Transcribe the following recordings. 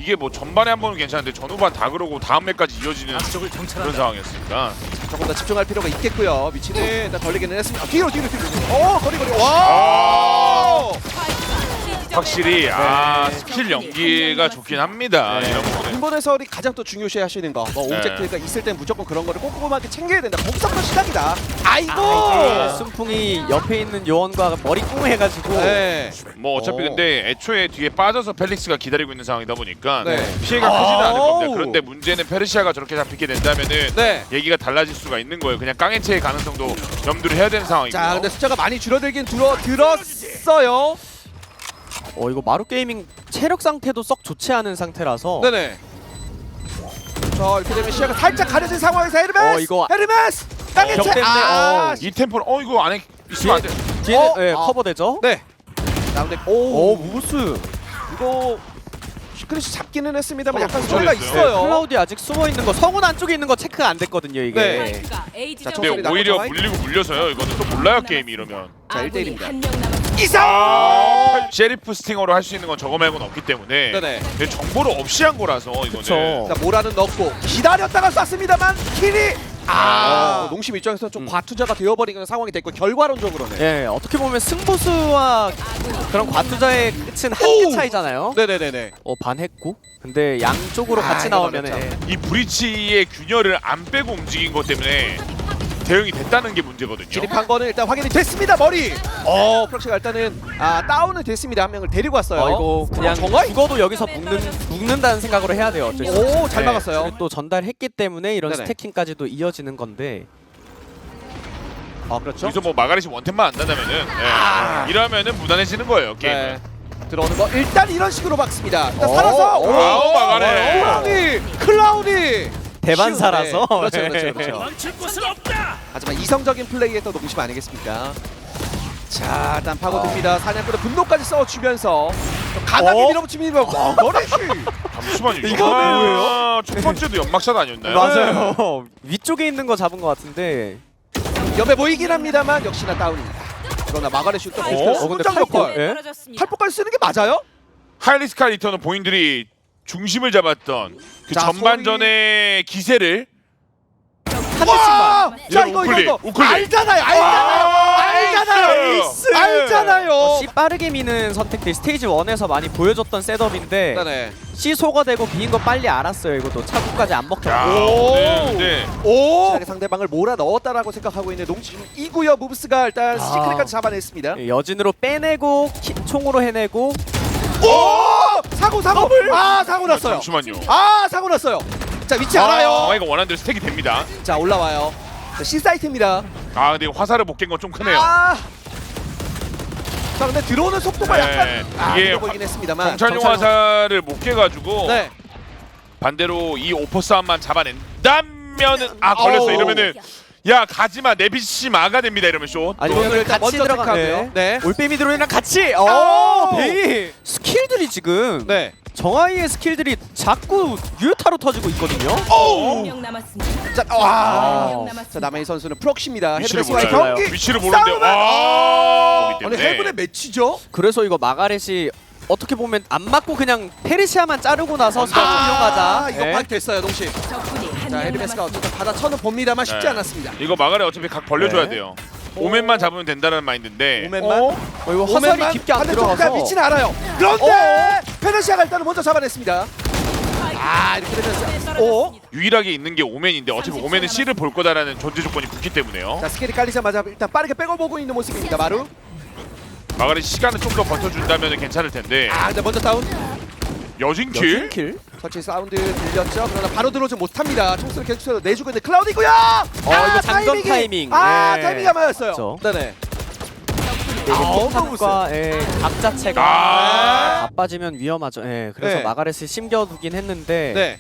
이게 뭐 전반에 한 번은 괜찮은데 전후반 다 그러고 다음 맵까지 이어지는 그런 상황이었으니까 조금 더 집중할 필요가 있겠고요. 위치는 일단 걸리기는 했습니다. 뒤로. 거리. 와! 아 확실히 스킬 연기가 좋긴 합니다. 네. 이런 부분은. 인본 해설이 가장 또 중요시 하시는 거. 뭐 네. 오브젝트가 있을 땐 무조건 그런 거를 꼼꼼하게 챙겨야 된다. 거기서부터 시작이다. 아이고! 순풍이 옆에 있는 요원과 머리 꿍해가지고 네. 뭐 어차피 근데 애초에 뒤에 빠져서 펠릭스가 기다리고 있는 상황이다 보니까 네. 피해가 크지는 않을 겁니다. 아우. 그런데 문제는 페르시아가 저렇게 잡히게 된다면은 네. 얘기가 달라질 수가 있는 거예요. 그냥 깡해체의 가능성도 염두를 해야 되는 상황이고요. 자, 근데 숫자가 많이 줄어들긴 들었어요. 이거 마루 게이밍 체력 상태도 썩 좋지 않은 상태라서 네네. 자, 이렇게 되면 시야가 살짝 가려진 상황에서 헤르메스! 이거 헤르메스! 벽 땅에체! 때문에, 이 템포는 이거 안에 있으면 안 돼. 뒤에 네, 아. 커버되죠? 네. 자, 근데 무브스 이거 시크릿이 잡기는 했습니다만 어, 약간 어, 소리가 잘했어요. 있어요. 클라우디 아직 숨어있는 거 성운 안쪽에 있는 거 체크가 안 됐거든요 이게. 네. 근데 자, 총소리 오히려 나고 물리고 물려서요. 이거는 또 몰라요 게임이 이러면. 자, 1대1입니다. 이상! 셰리프 스팅어로 할 수 있는 건 저거 말고는 없기 때문에 네네. 근데 정보를 없이 한 거라서 이거는 그쵸. 자, 모라는 넣고 기다렸다가 쐈습니다만 킬이 농심 입장에서 좀 과투자가 되어버리는 상황이 됐고 결과론적으로는 예, 어떻게 보면 승부수와 그런 과투자의 끝은 한 개 차이잖아요. 네네네네. 반했고. 근데 양쪽으로 같이 이거 나오면 어렵죠. 이 브리치의 균열을 안 빼고 움직인 것 때문에 대응이 됐다는 게 문제거든요. 진입한 거는 일단 확인이 됐습니다. 머리. 프락시가 일단은 다운은 됐습니다. 한 명을 데리고 왔어요. 이거 그냥 정말? 죽어도 여기서 묶는다는 생각으로 해야 돼요. 어쩔 수 없이. 오, 잘 막았어요. 그리고 또 전달했기 때문에 이런 네네. 스태킹까지도 이어지는 건데. 그렇죠. 여기서 뭐 마가렛이 원템만 안 난다면은 이러면은 무난해지는 거예요 게임은. 네. 들어오는 거 일단 이런 식으로 막습니다. 일단 오, 살아서 오, 아우, 마가렛. 클라우디. 대반사라서. 쉬운데. 그렇죠. 하지만 이성적인 플레이에서 농심 아니겠습니까? 자, 일단 파고듭니다. 사냥꾼의 분노까지 써주면서 강하게 밀어붙입니다. 와, 머리쉬. 잠시만요. 이거 뭐예요? 첫 번째도 연막샷 아니었나요? 맞아요. 위쪽에 있는 거 잡은 것 같은데. 옆에 보이긴 합니다만 역시나 다운입니다. 그러나 마가렛 슛도 근데 순정 역할. 예? 팔복까지 쓰는 게 맞아요? 하이리스카 리터는 본인들이 중심을 잡았던 그 자, 전반전의 기세를 한 대씩만. 자, 이거 우클릭, 우클릭. 알잖아요. 에이스! 알잖아요. C 빠르게 미는 선택들이 스테이지 1에서 많이 보여줬던 셋업인데 네. C 소거되고 비인 거 빨리 알았어요. 이것도 차구까지 안 먹혔고. 오. 네. 오! 상대방을 몰아 넣었다라고 생각하고 있는 농심 이구요 무브스가 일단 시크릿까지 잡아냈습니다. 예, 여진으로 빼내고 총으로 해내고. 오! 사고! 사고 났어요. 잠시만요. 사고 났어요. 자, 위치 알아요. 이거 원하는 대로 스택이 됩니다. 자, 올라와요. 자, C 사이트입니다. 근데 화살을 못 깬 건 좀 크네요. 자, 근데 들어오는 속도가 네. 약간 이게 보이긴 했습니다만. 정찰용 화살을 못 깨가지고 네. 반대로 이 오퍼 싸움만 잡아낸다면은 걸렸어. 어우. 이러면은 야 가지마 내비씨 마가 됩니다. 이러면 쇼. 아니 또 오늘 일단 같이 먼저 들어가네요. 체크하고요. 네. 올빼미 드론이랑 같이. 베이 스킬들이 지금 네. 정아이의 스킬들이 자꾸 유효타로 터지고 있거든요. 자, 자, 남의 선수는 프록시입니다. 위치를 헤르메스와의 몰라요. 경기. 위치를 모르는데 싸움은- 거기 아니, 때문에. 해븐의 매치죠? 그래서 이거 마가렛이 어떻게 보면 안 맞고 그냥 페르시아만 자르고 나서 스타트 이용하자. 이거 네. 박 됐어요, 농심. 자, 헤르메스가 어쨌든 받아쳐는 봅니다만 쉽지 네. 않았습니다. 이거 마가렛 어차피 각 벌려줘야 네. 돼요. 오맨만 잡으면 된다는 마인드인데. 오맨만. 이거 화살이 깊게 안 들어가서. 위치는 알아요. 그런데 페르시아가 일단은 먼저 잡아냈습니다. 이렇게 되면서 유일하게 있는 게 오맨인데 어차피 오맨은 C를 볼 거다라는 전제 조건이 붙기 때문에요. 자, 스킬이 깔리자마자 일단 빠르게 백업 보고 있는 모습입니다. 마루. 마가렛 시간을 좀 더 버텨준다면 괜찮을 텐데. 근데 먼저 다운. 여진킬? 킬. 터치 사운드 들렸죠. 그러나 바로 들어오지 못합니다. 총수를 계속해서 내주고 있는 클라우디고요. 이거 장전 타이밍. 네. 타이밍이 안 맞았어요. 그렇죠. 네네. 폭탄과 각 자체가 바빠지면 위험하죠. 그래서 네. 마가렛을 심겨두긴 했는데 네.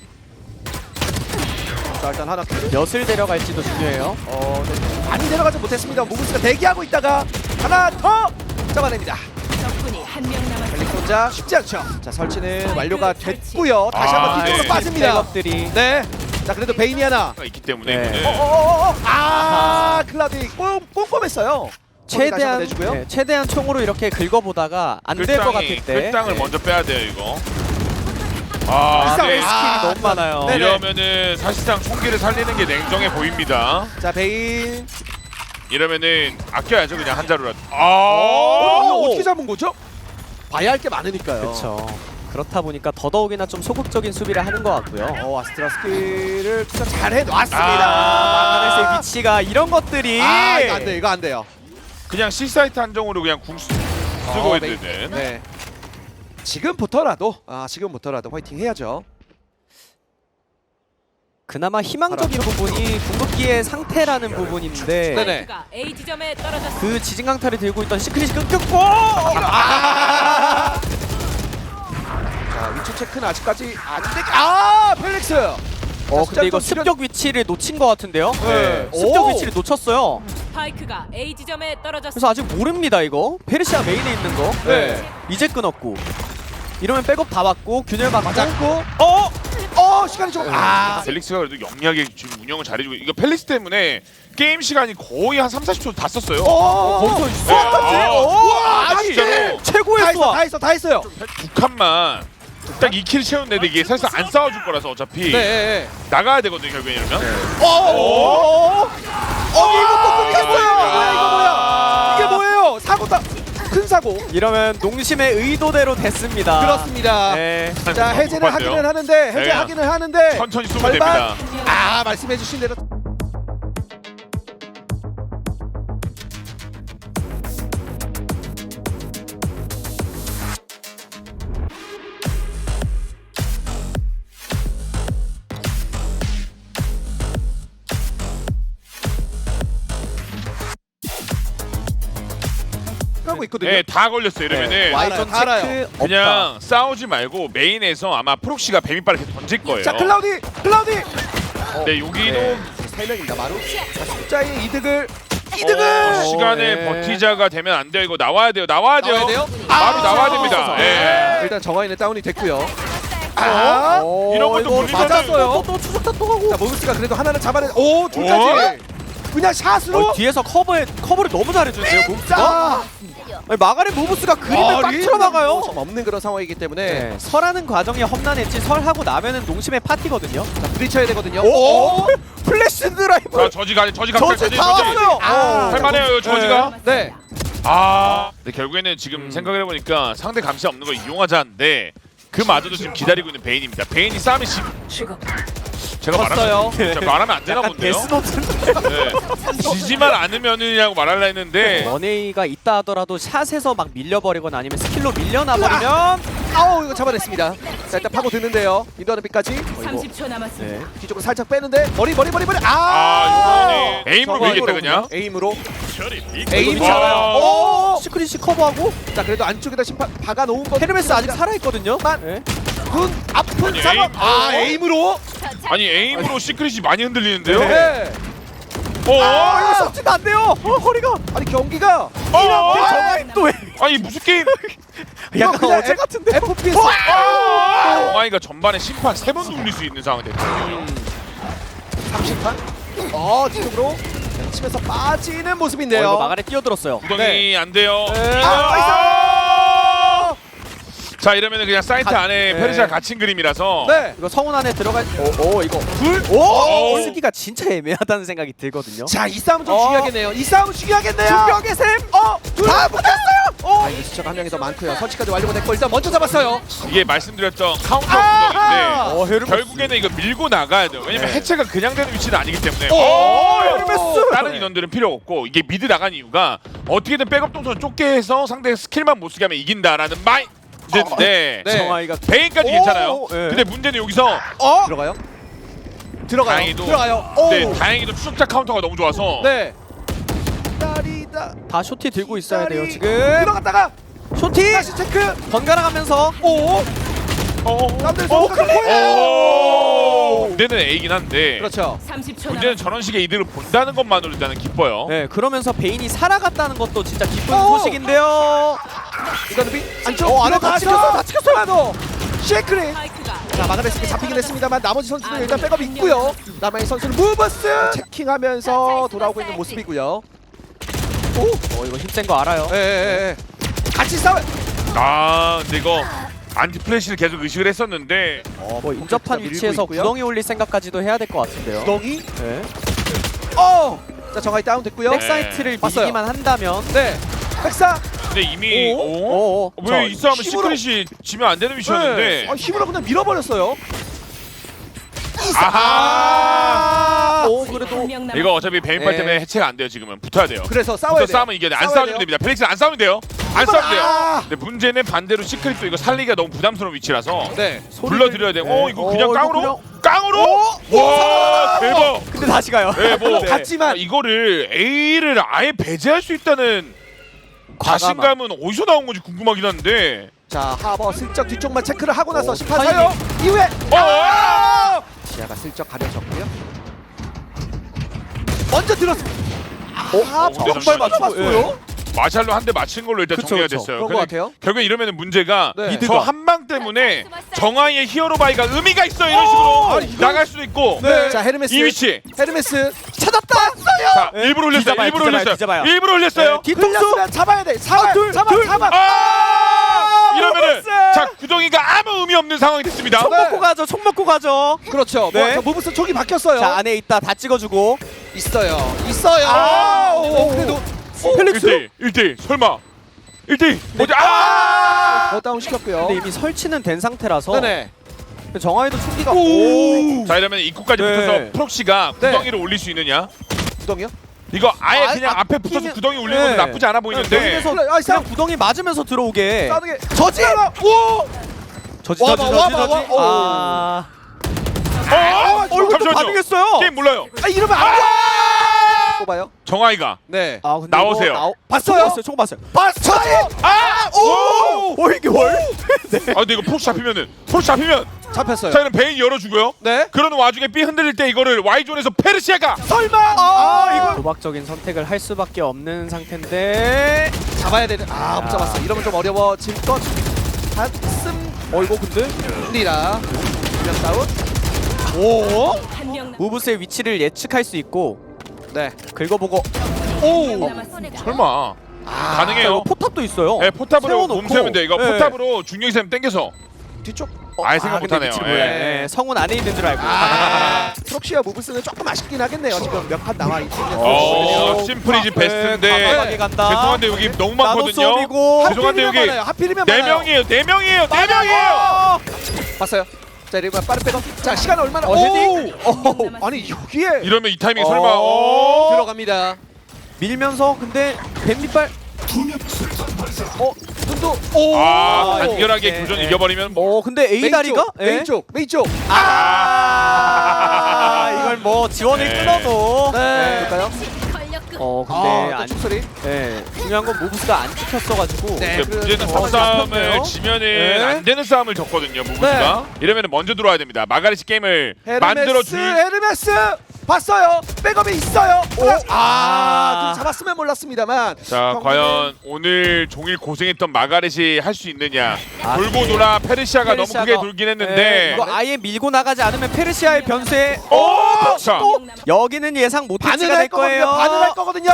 자, 일단 하나 몇을 데려갈지도 중요해요. 네. 많이 내려가지 못했습니다. 무브스가 대기하고 있다가 하나 더 잡아냅니다. 벨릭 혼자 쉽지 않죠. 자, 설치는 완료가 됐고요. 다시 한번 뒤쪽으로 네. 빠집니다. 백업들이. 네. 자, 그래도 베인이 하나. 있기 때문에 네. 이거는 클라우디 꼼꼼했어요. 최대한 내주고요. 최대한 총으로 이렇게 긁어보다가 안 될 것 같을 때. 끌당을 먼저 빼야 돼요 이거. 아, 이상- 네. 스킬이 너무 많아요. 네네. 이러면은 사실상 총기를 살리는 게 냉정해 보입니다. 자 베인. 이러면은 아껴야죠 그냥 한 자루라도. 이거 어떻게 잡은 거죠? 봐야 할 게 많으니까요. 그렇죠. 그렇다 보니까 더더욱이나 좀 소극적인 수비를 하는 것 같고요. 아스트라 스킬을 투자 잘 해놨습니다. 마가렛의 위치가 이런 것들이 이거 안 돼, 이거 안 돼요. 그냥 C사이트 한정으로 그냥 궁 쓰고 네. 있는. 네. 지금부터라도 화이팅 해야죠. 그나마 희망적인 부분이 궁극기의 상태라는 부분인데 네네. A 지점에 떨어졌습니다. 그 지진 강타를 들고 있던 시크릿이 끊겼고 자 위치 체크는 아직까지 펠릭스. 근데 이거 습격 위치를 놓친 것 같은데요? 네. 습격 오. 위치를 놓쳤어요. 스파이크가 A 지점에 떨어졌습니다. 그래서 아직 모릅니다 이거. 페르시아 메인에 있는 거. 네. 이제 끊었고. 이러면 백업 다 받고 균열 받고. 맞았고. 시간이 좀. 펠릭스가 그래도 영리하게 지금 운영을 잘해주고 이거 펠릭스 때문에 게임 시간이 거의 한 3-40초 다 썼어요. 거기서 네. 있어. 진짜로 최고의 수와. 다 했어요. 두 칸만 딱 2킬 채웠는데 이게 사실상 안 싸워줄 거라서 어차피 네. 나가야 되거든요 결국에 이러면. 이거 또 끊겼어요. 이게 뭐예요? 사고다. 큰 사고. 이러면 농심의 의도대로 됐습니다. 그렇습니다. 네. 자 해제를 하기는 하는데 해제하기는 하는데 천천히 쏘면 절반. 됩니다. 말씀해주신 대로. 하고 있거든요. 네, 다 걸렸어요. 이러면은 와이전 체크 알아요. 없다. 그냥 싸우지 말고 메인에서 아마 프록시가 뱀이빨을 계속 던질 거예요. 자 클라우디. 네, 여기도 네. 세 명입니다. 마루. 자 숫자의 이득을 시간을 네. 버티자가 되면 안 돼요. 이거 나와야 돼요. 나와야 돼요. 나와야 돼요? 바로 나와야 됩니다. 네. 일단 정화인은 다운이 됐고요. 이런 것도 이거 물리면은 맞았어요. 또 추적탄 또 가고. 자 모브스가 그래도 하나는 잡아내. 둘까지. 그냥 샷으로. 뒤에서 커버를 너무 잘해주는데요, 모브스가? 자. 마가렛 모브스가 그림을 딱 틀어 막아요. 좀 없는 그런 상황이기 때문에 네. 설하는 과정이 험난했지 설하고 나면은 농심의 파티거든요. 자, 부딪혀야 되거든요. 플래시 드라이브. 자, 저지 저지 다 왔어요. 할만해요, 저지가. 네. 근데 결국에는 지금 생각을 해보니까 상대 감시 없는 걸 이용하자는데 그마저도 지금 기다리고 있는 베인입니다. 베인이 싸움이 제가 졌어요. 제가 말하면 안 되나 약간 본데요. 데스노트인데. 네. 지지만 않으면이라고 말하려 했는데 원웨이가 있다 하더라도 샷에서 막 밀려버리거나 아니면 스킬로 밀려나버리면 이거 잡아냈습니다. 자 일단 파고 드는데요. 인도하는 빛까지 30초 남았습니다. 네. 뒤쪽으로 살짝 빼는데 머리. 이거는 에임으로 밀겠다 그냥. 에임으로 에임이 에임이 와. 잘해요. 시크릿이 커버하고 자 그래도 안쪽에다 심판 박아놓은 거. 헤르메스 아직 살아있거든요. 네. 군 아픈 아니, 상황. 에임. 에임으로. 아니 에임으로 시크릿이 많이 흔들리는데요. 네. 이거 섭지가 안 돼요. 허리가. 아니 경기가 정말 또 왜? 아니 무슨 게임? 약간 그냥 어제 같은데. FPS. 정아이가 전반에 심판 3번 돌릴 수 있는 상황이 됐거든요. 30판. 뒤쪽으로 치면서 빠지는 모습인데요. 이거 마가렛 뛰어들었어요. 구덩이 안 돼요. 자 이러면은 그냥 사이트 안에 네. 페르시아 갇힌 그림이라서 네. 이거 성운 안에 들어갈. 이거 둘. 쓰기가 진짜 애매하다는 생각이 들거든요. 자, 이 싸움은 좀 중요하겠네요. 이 싸움은 중요하겠네요. 중격의 셈. 다 붙었어요. 이거 숫자가 한 명이 더 많고요. 설치까지 완료가 됐고 일단 먼저 잡았어요. 이게 말씀드렸던 카운터 아하! 구덩인데 결국에는 이거 밀고 나가야 돼요. 왜냐면 네. 해체가 그냥 되는 위치는 아니기 때문에 헤르메스! 다른 인원들은 필요 없고 이게 미드 나간 이유가 어떻게든 백업 동선 좁게 해서 상대 스킬만 못 쓰게 하면 이긴다라는 마인드인데 네. 정아이가 베인까지 괜찮아요. 네. 근데 문제는 여기서 들어가요? 들어가요. 다행히도 들어가요. 네, 다행히도 추적자 카운터가 너무 좋아서 네. 다리다. 다 쇼티 들고 있어야 돼요 다리. 지금. 들어갔다가 쇼티 다시 체크. 번갈아 가면서. 남들 문제는 A긴 한데 그렇죠. 30초 문제는 저런 식의 이득을 본다는 것만으로 일단은 기뻐요. 네, 그러면서 베인이 살아갔다는 것도 진짜 기쁜 소식인데요. 이거는 비 안쪽. 안에 다 찍혔어요, 다 찍혔어요. 쉐크리. 스파이크가 자 마가렛스가 잡히긴 했습니다만 나머지 선수들은 일단 백업이 있고요. 남아있는 선수는 무브스 체킹하면서 돌아오고 있는 모습이고요. 이거 힘센 거 알아요. 예. 같이 싸워. 근데 이거 안티 플래시를 계속 의식을 했었는데 뭐 인접한 밀고 위치에서 있고요. 구덩이 올릴 생각까지도 해야 될 것 같은데요. 구덩이. 네. 자 정하이 다운 됐고요. 백사이트를 봤어요. 미기만 한다면 네. 백사. 근데 이미 오. 왜 이 싸움은 힘으로- 시크릿이 지면 안 되는 미션인데 힘으로 그냥 밀어버렸어요. 아하 오 그래도 한명 남았습니다. 이거 어차피 베인팔 네. 때문에 해체가 안 돼요. 지금은 붙어야 돼요. 그래서 싸워야 붙어 돼. 싸우면 이겨야 돼. 안 싸워야 싸우면 돼요. 됩니다. 펠릭스 안 싸우면 돼요. 안 싸우면 돼요. 아! 근데 문제는 반대로 시크릿도 이거 살리기가 너무 부담스러운 위치라서 네. 불러드려야 돼요. 네. 이거 그냥 이거 깡으로? 그냥- 깡으로? 와 대박. 근데 다시 가요. 네, 뭐 같지만 이거를 A를 아예 배제할 수 있다는 자신감은 어디서 나온 건지 궁금하긴 한데. 자 하버 슬쩍 뒤쪽만 체크를 하고 나서 오, 심판 사요. 이후에 시야가 슬쩍 가려졌고요. 먼저 들었습니다. 근데 정말 맞춰봤어요. 마샬로 한 대 맞힌 걸로 일단 그쵸, 정리가 그쵸. 됐어요. 그런 것 근데 같아요. 결국엔 이러면은 문제가 네. 저 한 방 때문에 정아이의 히어로바이가 의미가 있어 이런 식으로 아니, 이건- 나갈 수도 있고 자 헤르메스. 이 위치 헤르메스 찾았다. 자 일부러 올렸어요. 뒤져봐요, 일부러 뒤져봐요, 올렸어요. 뒤져봐요. 일부러 올렸어요. 뒤통수 잡아야 돼. 잡아. 이러면은 자 구덩이가 아무 의미 없는 상황이 됐습니다. 총 먹고 가죠. 총 먹고 가죠. 그렇죠. 네. 무브스 촉이 바뀌었어요. 자 안에 있다 다 찍어주고. 있어요. 그래도 펠릭스. 1대1 설마 1대1 뭐지? 다운 시켰고요. 근데 이미 설치는 된 상태라서 네네. 정하이도 총기가 자 이러면 입구까지 네. 붙어서 프록시가 네. 구덩이를 올릴 수 있느냐? 구덩이요? 이거 아예 아, 그냥 앞에 붙어서 끼면- 구덩이 올리는 네. 것도 나쁘지 않아 보이는데 여기에서 아, 그냥 싸움. 구덩이 맞으면서 들어오게. 싸우게. 저지. 오! 저지. 와봐, 와봐. 아. 잠시만요. 반응했어요. 게임 몰라요. 이러면 안 돼. 뽑아요. 정아이가 네. 아 근데 나오세요. 이거 봤어요? 총 봤어요. 봤어요. 오 이게 월? 아 근데 이거 프록시 잡히면은 프록시 잡히면 잡혔어요. 자 이런 베인 열어주고요. 네. 그러는 와중에 B 흔들릴 때 이거를 Y존에서 페르시아가 설마. 이거 도박적인 선택을 할 수밖에 없는 상태인데. 잡아야 되는. 못 잡았어. 이러면 좀 어려워질 것 같습니다. 이거 근데 분명 다운. 오. 한명 무브스의 위치를 예측할 수 있고 네. 긁어보고. 남았습니다. 설마 가능해요. 포탑도 있어요. 네, 포탑으로 세워놓고. 몸 세우면 돼. 이거 네. 포탑으로 중력쌤 땡겨서 뒤쪽. 아예 생각 근데 못하네요. 위치를 예. 몰라요. 네, 성운 안에 있는 줄 알고. 프록시와 무브스는 조금 아쉽긴 하겠네요. 지금 몇 판 나와 있는. 심플이지 베스트인데 과감하게 간다. 죄송한데 여기 너무 나노 많거든요. 썸이고. 죄송한데 여기 하필이면 네 많아요. 명이에요. 네 명이에요. 네 명이에요. 봤어요. 자 이러면 빠른 백업. 자 시간 얼마나? 헤딩. 아니 여기에 이러면 이 타이밍 설마 들어갑니다. 밀면서 근데 뱀밑발. 눈도. 간결하게 네, 교전 네. 이겨버리면 뭐 근데 A 다리가? 메인 쪽. 이걸 뭐 지원을 네. 끊어도. 네. 볼까요? 근데 또 축소리. 중요한 건 무브스가 안 찍혔어가지고. 네. 근데 문제는 그래서 탑싸움을 잡혔네요. 지면은 네. 안 되는 싸움을 졌거든요. 무브스가 이러면 먼저 들어와야 됩니다. 마가리시 게임을 만들어 줄. 헤르메스 봤어요. 백업이 있어요. 오. 좀 잡았으면 몰랐습니다만. 자 과연 오늘 종일 고생했던 마가렛이 할 수 있느냐. 돌고 네. 돌아 페르시아가 너무 페르시아가- 크게 돌긴 네, 했는데 이거 아예 밀고 나가지 않으면 페르시아의 변수에 자 여기는 예상 못할 반을 가 할 될 거예요. 거거든요. 반을 할 거거든요.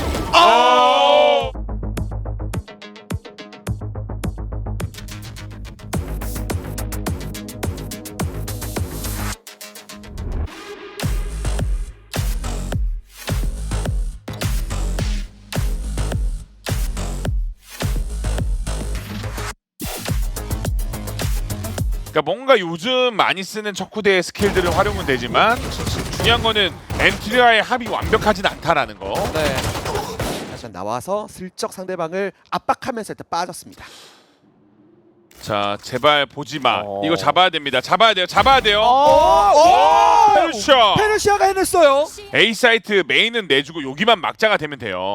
그러니까 뭔가 요즘 많이 쓰는 척후대의 스킬들을 활용은 되지만 중요한 거는 엔트리와의 합이 완벽하진 않다라는 거. 네. 다시 나와서 슬쩍 상대방을 압박하면서 일단 빠졌습니다. 자 제발 보지 마. 어. 이거 잡아야 됩니다. 잡아야 돼요. 잡아야 돼요. 페르시아. 페르시아가 해냈어요. A 사이트 메인은 내주고 여기만 막자가 되면 돼요.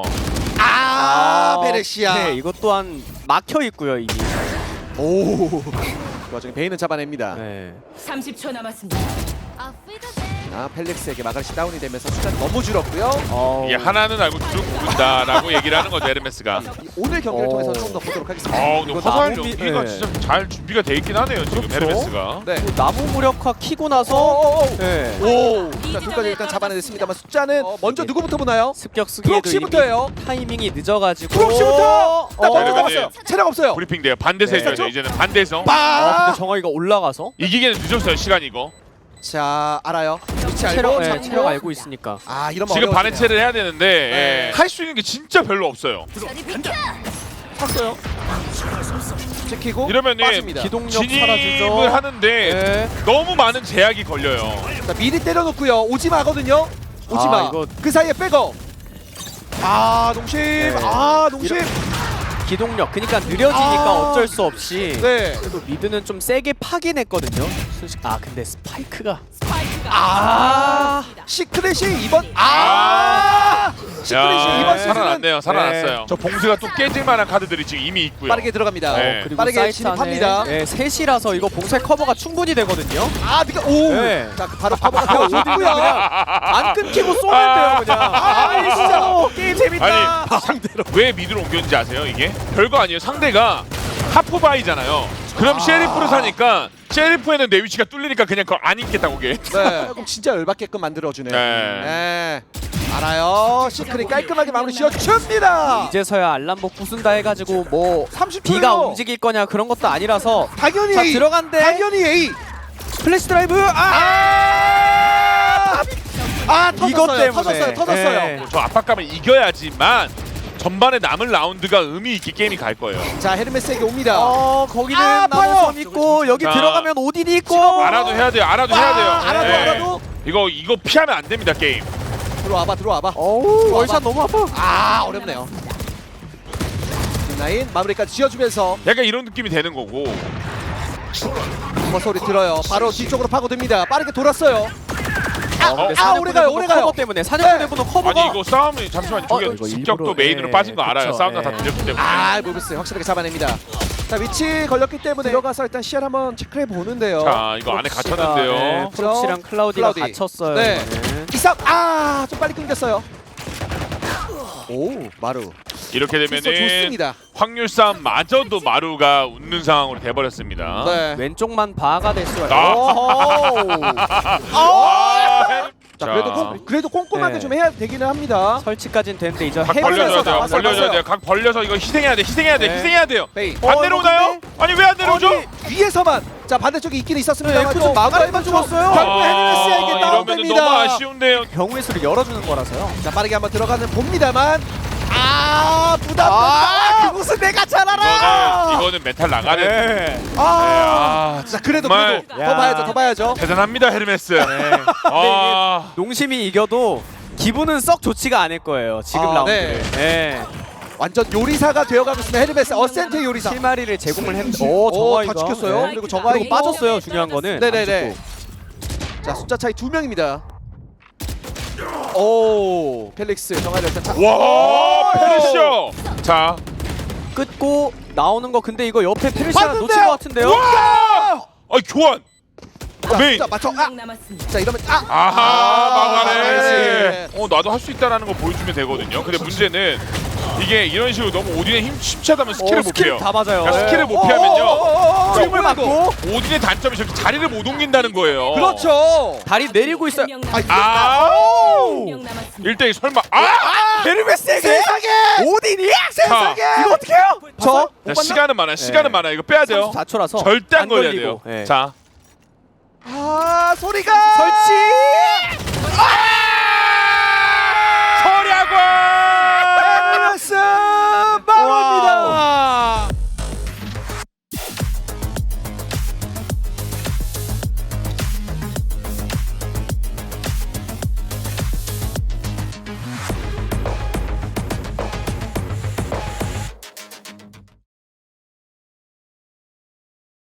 페르시아. 네, 이것 또한 막혀 있고요 이미. 오. 그 와중에 베인은 잡아냅니다. 네. 30초 남았습니다. 펠릭스에게 마가리시 다운이 되면서 숫자는 너무 줄었고요. 이게 하나는 알고 둘은 모른다라고 얘기를 하는 거죠 헤르메스가. 오늘 경기를 통해서 좀 더 보도록 하겠습니다. 근데 이거 화살 나무 연기가 네. 진짜 잘 준비가 돼 있긴 하네요 지금 그렇죠. 헤르메스가. 네. 나무 무력화 키고 나서 오. 네. 자, 둘까지 일단 잡아내냈습니다만 숫자는 먼저 누구부터 보나요? 습격 쓰기에도 프록시부터예요. 이미 타이밍이 늦어가지고 프록시부터. 딱 먼저 그러면은 잡았어요. 체력 없어요. 브리핑 돼요. 반대서 네. 해줘야죠. 이제는 반대서. 근데 정화이가 올라가서 이기기는 늦었어요 시간 이거. 자, 알아요. 위치 알고 체력, 잡고. 체력 알고 있으니까 이러면 지금 어려워지네요. 반해체를 해야 되는데 네. 할 수 있는 게 진짜 별로 없어요. 탔어요. 지키고 이러면은 빠집니다. 기동력 진입을 사라지죠. 하는데 네. 너무 많은 제약이 걸려요. 자, 미리 때려놓고요. 오지마거든요. 오지마. 이거- 그 사이에 백업. 농심. 농심. 기동력 그러니까 느려지니까 어쩔 수 없이 네. 그래도 미드는 좀 세게 파긴 했거든요. 근데 스파이크가 시크릿이 이번 시크릿이 야, 이번 시즌은 살아났네요. 살아났어요. 저 봉수가 또 깨질 만한 카드들이 지금 이미 있고요. 빠르게 들어갑니다. 네. 그리고 빠르게 사이트 진입합니다. 안에 셋이라서 이거 봉쇄 커버가 충분히 되거든요. 자, 바로 커버가 되어줬고요. 그냥 안 끊기고 쏘면 돼요 그냥. 진짜 게임 재밌다. 아니 왜 미드로 옮겼는지 아세요? 이게 별거 아니에요. 상대가 하프바이잖아요. 그럼 셰리프를 사니까 셰리프에는 내 위치가 뚫리니까 그냥 그걸 안 입겠다고 게. 네. 그럼 진짜 열받게끔 만들어주네요. 네. 알아요. 시크릿 깔끔하게 마무리 지어줍니다. 이제서야 알람복 부순다 해가지고 뭐 30초요. B가 움직일 거냐 그런 것도 아니라서 당연히 자 A. 들어간대. 당연히 A. 플래시 드라이브 터졌어요. 이것 때문에. 터졌어요. 네. 저 압박감을 이겨야지만 전반에 남은 라운드가 의미 있게 게임이 갈 거예요. 자, 헤르메스에게 옵니다. 거기는 아파요. 나무섬 있고 여기 자, 들어가면 오딘이 있고 알아도 해야 돼요. 알아도 해야 돼요. 알아도 네. 알아도 이거 피하면 안 됩니다 게임. 들어와봐. 어우 월샷 너무 아파. 어렵네요. 라인 마무리까지 지어주면서 약간 이런 느낌이 되는 거고. 소리 들어요. 바로 뒤쪽으로 파고듭니다. 빠르게 돌았어요. 오래 가요. 커버 때문에 사냥꾼의 분노 커버가 아니 이거 싸움이 잠시만요. 저기 이거 습격도 일부러, 메인으로 예, 빠진 거 알아요. 그쵸, 싸움가 다 예. 들렸기 때문에. 모브스 확실하게 잡아냅니다. 자, 위치 걸렸기 때문에 들어가서 일단 시야를 한번 체크해 보는데요. 자 이거 안에 gat혔는데요. 네, 프록시랑 클라우디가 클라우디. 갇혔어요. 네. 이거는. 이상 좀 빨리 끊겼어요. 마루. 이렇게 되면은 좋습니다. 확률 싸움마저도 마루가 웃는 상황으로 돼버렸습니다. 네. 왼쪽만 바가 될 수가 아. 있어요. 자, 그래도 꼼꼼하게 네. 좀 해야 되기는 합니다. 설치까지는 되는데 이제 각 벌려줘야 돼요. 나왔어요. 벌려줘야 돼요. 각 벌려서 이거 희생해야 돼. 네. 희생해야 돼요. 베이. 안 내려오나요? 아니 왜 안 내려오죠? 위에서만. 자, 반대쪽에 있긴 있었습니다. 에프 좀 막아야만 죽었어요. 결국 헤르메스에게 이러면 다운됩니다. 너무 아쉬운데요. 경우의 수를 열어주는 거라서요. 자, 빠르게 한번 들어가는 봅니다만 부담된다. 그곳은 내가 잘 알아. 이거는 메탈 나가는. 네. 자, 그래도 정말. 더 봐야죠. 대단합니다 헤르메스. 농심이 이겨도 기분은 썩 좋지가 않을 거예요. 지금 라운드. 네. 완전 요리사가 되어가고 있습니다. 헤르메스 어센트 요리사. 실마리를 제공을 했는데 다 지켰어요. 그리고 정화이가 그리고 빠졌어요. 중요한 거는. 네네네. 자, 숫자 차이 2명입니다. 펠릭스 정화를 일단 와 페르시오. 자 끊고 나오는 거 근데 이거 옆에 페르시아 봤는데요? 놓친 것 같은데요. 와. 교환. 메인. 자, 맞춰. 자, 이러면 막아내. 나도 할 수 있다라는 거 보여주면 되거든요. 근데 문제는 이게 이런 식으로 너무 오딘의 힘 심차다면 스킬을 못 피해요. 다 맞아요. 그러니까 스킬을 못 피하면요. 춤을 맞고 오딘의 단점이 저렇게 자리를 못 옮긴다는 거예요. 그렇죠. 다리 내리고 있어요. 1대1 설마. 헤르메스에게 세상에! 오딘이 세상에! 이거 어떻게 해요? 저 자, 시간은 많아요. 시간은 많아요. 이거 빼야 돼요. 34초라서 절대 안 걸려야 돼요. 네. 자. 소리가 설치.